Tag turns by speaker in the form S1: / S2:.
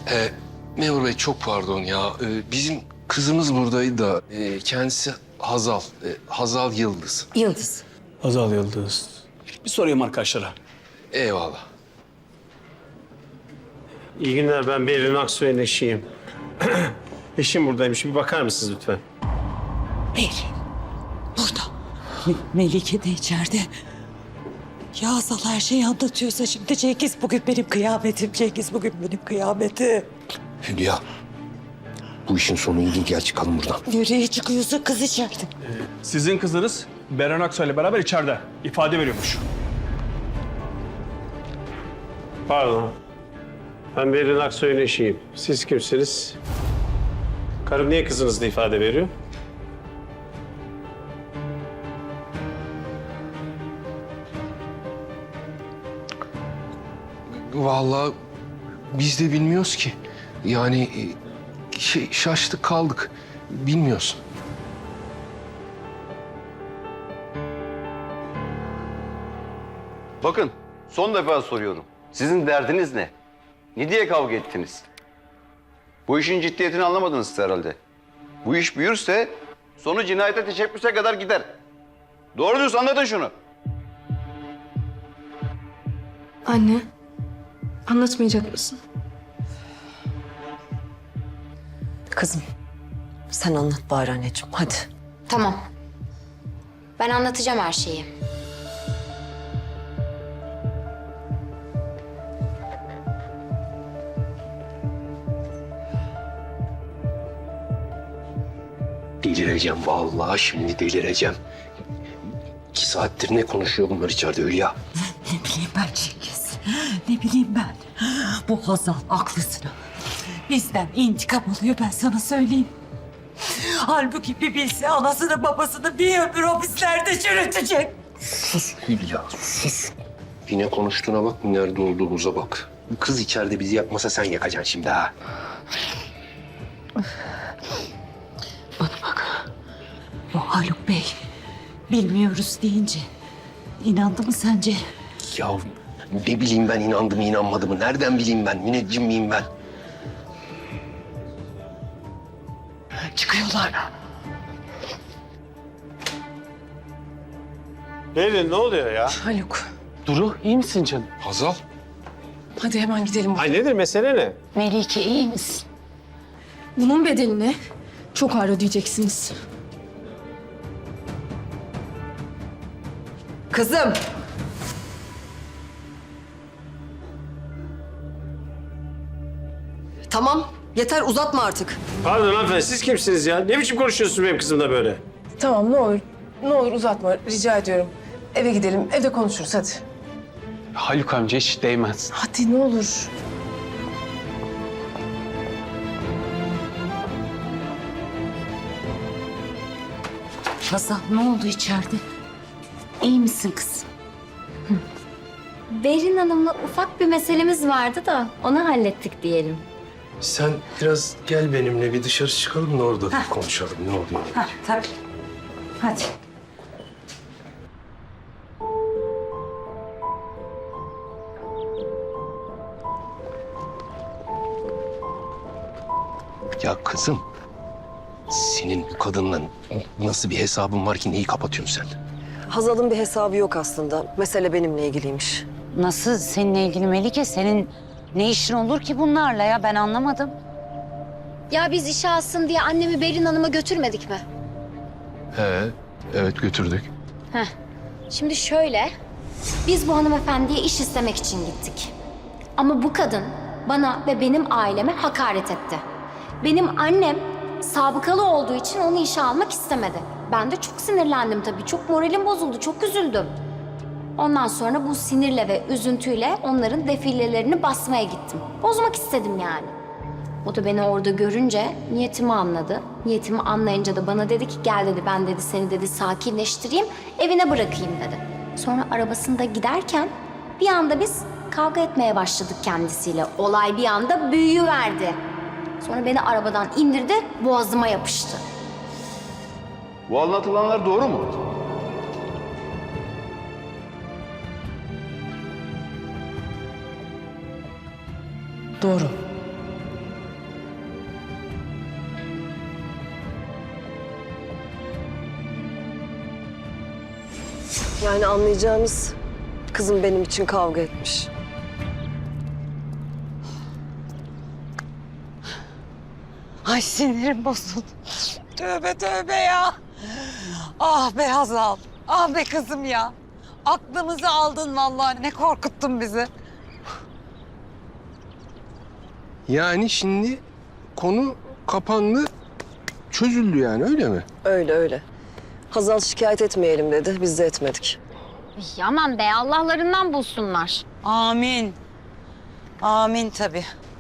S1: Memur Bey çok pardon ya. Bizim kızımız buradaydı da kendisi Hazal. Hazal Yıldız.
S2: Yıldız.
S3: Hazal Yıldız. Bir sorayım arkadaşlara.
S1: Eyvallah.
S4: İyi günler, ben Berin Aksoy'un eşiyim. Eşim buradaymış, bir bakar mısınız lütfen?
S2: Berin. Burada. Melike de içeride. Ya Hazal her şeyi anlatıyorsa şimdi Cengiz bugün benim kıyametim. Cengiz bugün benim kıyametim.
S1: Hülya. Bu işin sonu iyi değil. Gel çıkalım buradan.
S2: Nereye çıkıyorsa kız içeride.
S3: Sizin kızınız Beren Aksoy ile beraber içeride ifade veriyormuş.
S4: Pardon. Ben Berin Aksoy'un eşiyim. Siz kimsiniz? Karım niye kızınızla ifade veriyor?
S1: Vallahi biz de bilmiyoruz ki. Yani şaştık kaldık. Bilmiyoruz.
S5: Bakın, son defa soruyorum. Sizin derdiniz ne? Ne diye kavga ettiniz? Bu işin ciddiyetini anlamadınız herhalde. Bu iş büyürse sonu cinayete teşebbüse kadar gider. Doğru diyorsun, anlatın şunu.
S6: Anne, anlatmayacak mısın?
S2: Kızım sen anlat bari anneciğim hadi.
S7: Tamam. Ben anlatacağım her şeyi.
S1: Delireceğim vallahi, şimdi delireceğim. 2 saattir ne konuşuyor bunlar içeride Hülya?
S2: Ne bileyim ben Cengiz. Ne bileyim ben. Bu Hazal aklısına. Bizden intikam alıyor ben sana söyleyeyim. Halbuki bir bilse anasını babasını bir ömür hapislerde çürütecek.
S1: Sus Hülya, sus. Yine konuştuğuna bak, nerede olduğumuza bak. Bu kız içeride bizi yakmasa sen yakacaksın şimdi ha.
S2: Bana bak. Bu Haluk Bey bilmiyoruz deyince inandı mı sence?
S1: Ya ne bileyim ben, inandı mı inanmadı mı? Nereden bileyim ben? Müneccim miyim ben?
S2: Çıkıyorlar.
S4: Berin, ne oluyor ya?
S8: Haluk,
S3: Duru iyi misin canım?
S1: Hazal.
S8: hadi hemen gidelim.
S4: Ay nedir, mesele ne?
S2: Melike iyi misin?
S6: Bunun bedelini çok ağır ödeyeceksiniz.
S8: Kızım. Tamam, yeter uzatma artık.
S4: Pardon hanımefendi, siz kimsiniz ya? Ne biçim konuşuyorsunuz benim kızımla böyle?
S9: Tamam ne olur. Ne olur uzatma rica ediyorum. Eve gidelim. Evde konuşuruz hadi.
S3: Haluk amca hiç değmez.
S9: Hadi ne olur.
S2: Hazal ne oldu içeride? İyi misin kızım?
S7: Berin Hanım'la ufak bir meselemiz vardı da onu hallettik diyelim.
S1: Sen biraz gel benimle, bir dışarı çıkalım da orada konuşalım. Ne oluyor?
S2: Ha tabii. Hadi.
S1: Ya kızım, senin bu kadınla nasıl bir hesabın var ki neyi kapatıyorsun sen?
S8: Hazal'ın bir hesabı yok aslında. Mesele benimle ilgiliymiş.
S10: Nasıl seninle ilgili Melike? Senin ne işin olur ki bunlarla ya? Ben anlamadım.
S7: Ya biz işe alsın diye annemi Berin Hanım'a götürmedik mi?
S1: Evet götürdük.
S7: Şimdi şöyle, biz bu hanımefendiye iş istemek için gittik. Ama bu kadın bana ve benim aileme hakaret etti. Benim annem sabıkalı olduğu için onu işe almak istemedi. Ben de çok sinirlendim tabii, çok moralim bozuldu, çok üzüldüm. Ondan sonra bu sinirle ve üzüntüyle onların defilelerini basmaya gittim. Bozmak istedim yani. O da beni orada görünce niyetimi anladı. Niyetimi anlayınca da bana dedi ki gel dedi, ben dedi seni dedi sakinleştireyim, evine bırakayım dedi. Sonra arabasında giderken bir anda biz kavga etmeye başladık kendisiyle. Olay bir anda büyüyüverdi. Sonra beni arabadan indirdi, boğazıma yapıştı.
S5: Bu anlatılanlar doğru mu?
S9: Doğru.
S8: Yani anlayacağınız kızım benim için kavga etmiş.
S2: Ay sinirim bozuldu. Tövbe tövbe ya. Ah be Hazal. Ah be kızım ya. Aklımızı aldın vallahi. Ne korkuttun bizi.
S1: Yani şimdi konu kapandı, çözüldü yani öyle mi?
S8: Öyle öyle. Hazal şikayet etmeyelim dedi. Biz de etmedik.
S7: Aman be Allah'larından bulsunlar.
S2: Amin. Amin tabii.